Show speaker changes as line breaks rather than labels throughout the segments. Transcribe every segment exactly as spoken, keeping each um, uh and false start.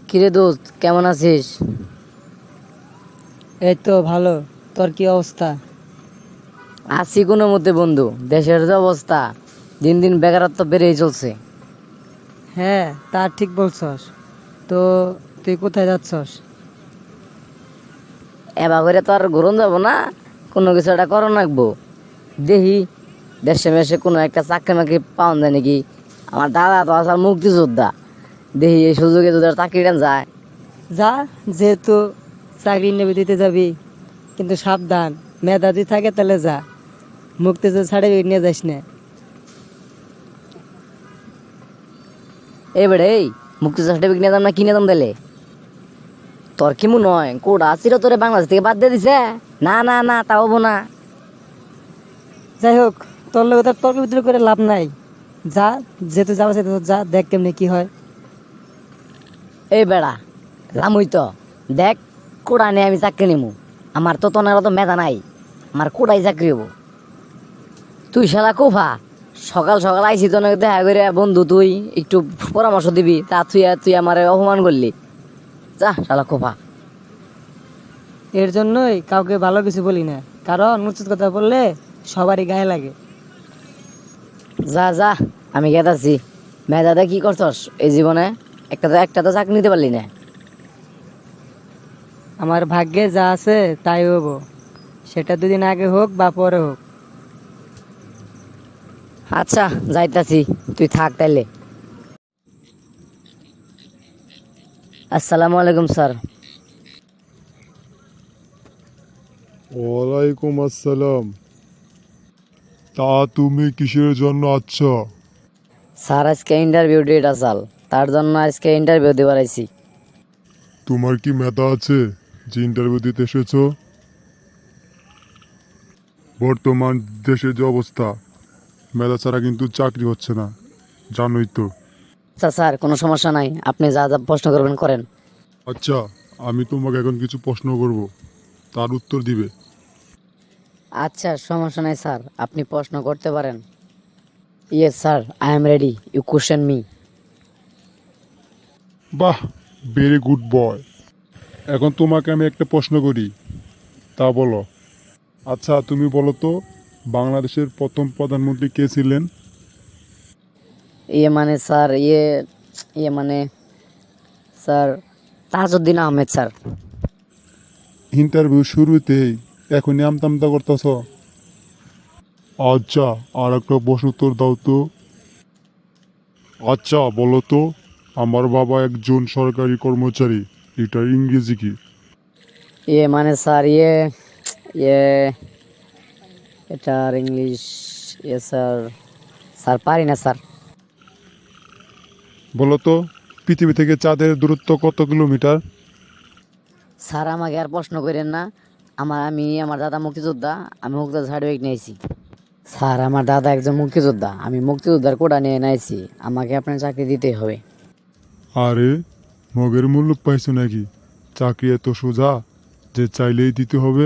কিরে দোস্ত, কেমন আছিস?
এই তো ভালো। তোর কি অবস্থা?
আছি কোনো মতে বন্ধু। দেশের যে অবস্থা, দিন দিন বেকারত্ব বেড়েই চলছে।
হ্যাঁ, তা ঠিক বলছস। তো তুই কোথায় যাচ্ছস?
এবার করে তো আর ঘুরন যাব না, কোনো কিছু একটা করণ রাখবো। দেখি দেশে মেশে কোনো একটা চাকরি মাকরি পাওয়া যায় নাকি। আমার দাদা তো আসার মুক্তিযোদ্ধা, দেখি এই সুযোগে যদি চাকরিটা যায়।
যা, যেহেতু চাকরি নেবে দিতে যাবি, কিন্তু সাবধান, মেধা যদি থাকে তাহলে যা। মুক্তিযোদ্ধা সার্টিফিকেট নিয়ে যাস না।
এবারে এই মুক্তিযোদ্ধা সার্টিফিকেট নিয়ে যাম না, কিনে দাম দিলে তোর কি মনে হয় কোটা ছিল তোরে বাংলাদেশ থেকে বাদ দিয়ে দিছে? না না না, তা হবো না।
যাই হোক, তোর লোক তার তর্ক বিতর্ক করে লাভ নাই। যা, যেহেতু যাওয়া সেহেতু যা, দেখ কেমনি কি হয়।
এই বেড়া লামুই তো দেখ, কোড়া নিয়ে আমি চাকরি নিমু। আমার তো তোনের তো মেধা নাই, আমার কোড়াই চাকরি হবো। তুই শালা কোফা, সকাল সকাল আইসি তো দেখা করে বন্ধু তুই একটু পরামর্শ দিবি, তা তুই তুই আমার অপমান করলি। যা শালা কোফা।
এর জন্যই কাউকে ভালো কিছু বলি না, কারণ উচিত কথা বললে সবারই গায়ে লাগে।
যা যা, আমি গেতাছি। মেধাতে কি করছস এই জীবনে? একটা তো একটা তো চাকরি নিতে পারলি না।
আমার ভাগ্যে যা আছে তাই হবো, সেটা দুদিন আগে হোক বা পরে হোক।
আচ্ছা যাইতাছি, তুই থাক তাইলে। আসসালামু আলাইকুম স্যার।
ওয়ালাইকুম আসসালাম। তা তুমি কিসের জন্য আচ্ছা?
স্যার আজকে ইন্টারভিউ ডেট আসাল, তার জন্য আজকে ইন্টারভিউ দিবার আইছি।
তোমার কি মেধা আছে যে ইন্টারভিউ দিতে এসেছো? বর্তমান দেশের যে অবস্থা, মেধা ছাড়া কিন্তু চাকরি হচ্ছে না, জানোই তো।
আচ্ছা স্যার, কোনো সমস্যা নাই, আপনি যা যা প্রশ্ন করবেন করেন।
আচ্ছা, আমি তোমাকে এখন কিছু প্রশ্ন করব, তার উত্তর দিবে।
আচ্ছা সমস্যা নাই স্যার, আপনি প্রশ্ন করতে পারেন। Yes sir, I am ready, you question me.
বাহ, ভেরি গুড বয়। এখন তোমাকে আমি একটা প্রশ্ন করি, তা বলো। আচ্ছা তুমি বলো তো, বাংলাদেশের প্রথম প্রধানমন্ত্রী কে ছিলেন?
ইয়ে মানে স্যার, ইয়ে ইয়ে মানে sir, Tajuddin Ahmed sir.
Interview শুরুতেই এখনই আমতামতা করতেছ? আচ্ছা, আর একটা প্রশ্ন উত্তর দাও তো। আচ্ছা বলো তো, আমার বাবা একজন সরকারি কর্মচারী, এটার ইংরেজি কি?
ইয়ে মানে স্যার, ইয়ে ইয়ে এটার ইংলিশ, ইয়ে স্যার, স্যার পারি না স্যার।
বলো তো, পৃথিবী থেকে চাঁদের দূরত্ব কত কিলোমিটার?
স্যার আমাকে আর প্রশ্ন করেন না। আমার আমি আমার দাদা মুক্তিযোদ্ধা, আমি মুক্তিযোদ্ধা সার্টিফিকেট নিয়েছি। স্যার আমার দাদা একজন মুক্তিযোদ্ধা, আমি মুক্তিযোদ্ধার কোটা নিয়ে নিয়েছি, আমাকে আপনার চাকরি দিতেই হবে।
আরে, মগের মূল্য পাইছো নাকি? চাকরি এত সোজা যে চাইলেই দিতে হবে?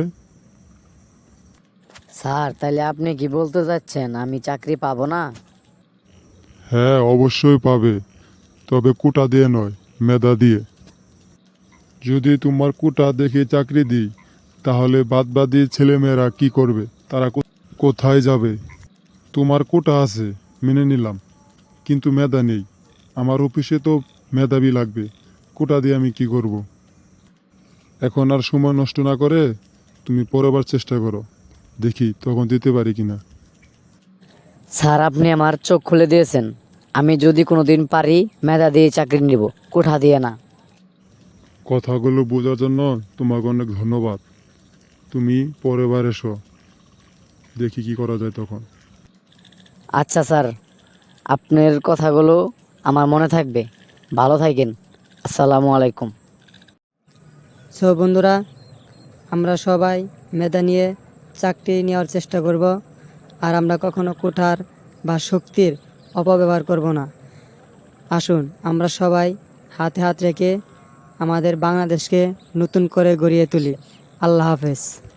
স্যার তাহলে আপনি কি বলতে চাচ্ছেন আমি চাকরি পাবো না?
হ্যাঁ অবশ্যই পাবে, তবে কোটা দিয়ে নয়, মেধা দিয়ে। যদি তোমার কোটা দেখে চাকরি দিই, তাহলে বাদবাকি ছেলেমেয়েরা কি করবে? তারা কো- কোথায় যাবে? তোমার কোটা আছে, মেনে নিলাম, কিন্তু মেধা নেই। আমার অফিসে তো মেধাবী লাগবে, কোটা দিয়ে আমি কি করব? এখন আর সময় নষ্ট না করে তুমি পরেরবার চেষ্টা করো, দেখি তখন দিতে পারি কিনা।
স্যার আপনি আমার চোখ খুলে দিয়েছেন, আমি যদি কোনো দিন পারি মেধা দিয়ে চাকরি নিব, কোঠা দিয়ে না।
কথাগুলো বোঝার জন্য তোমাকে অনেক ধন্যবাদ। তুমি পরের বার এসো, দেখি কি করা যায় তখন।
আচ্ছা স্যার, আপনার কথাগুলো আমার মনে থাকবে। ভালো থাকেন। আসসালামু আলাইকুম।
সো বন্ধুরা, আমরা সবাই মেধা নিয়ে চাকরি নেওয়ার চেষ্টা করব, আর আমরা কখনো কোঠার বা শক্তির অপব্যবহার করব না। আসুন আমরা সবাই হাতে হাত রেখে আমাদের বাংলাদেশকে নতুন করে গড়িয়ে তুলি। আল্লাহ হাফেজ।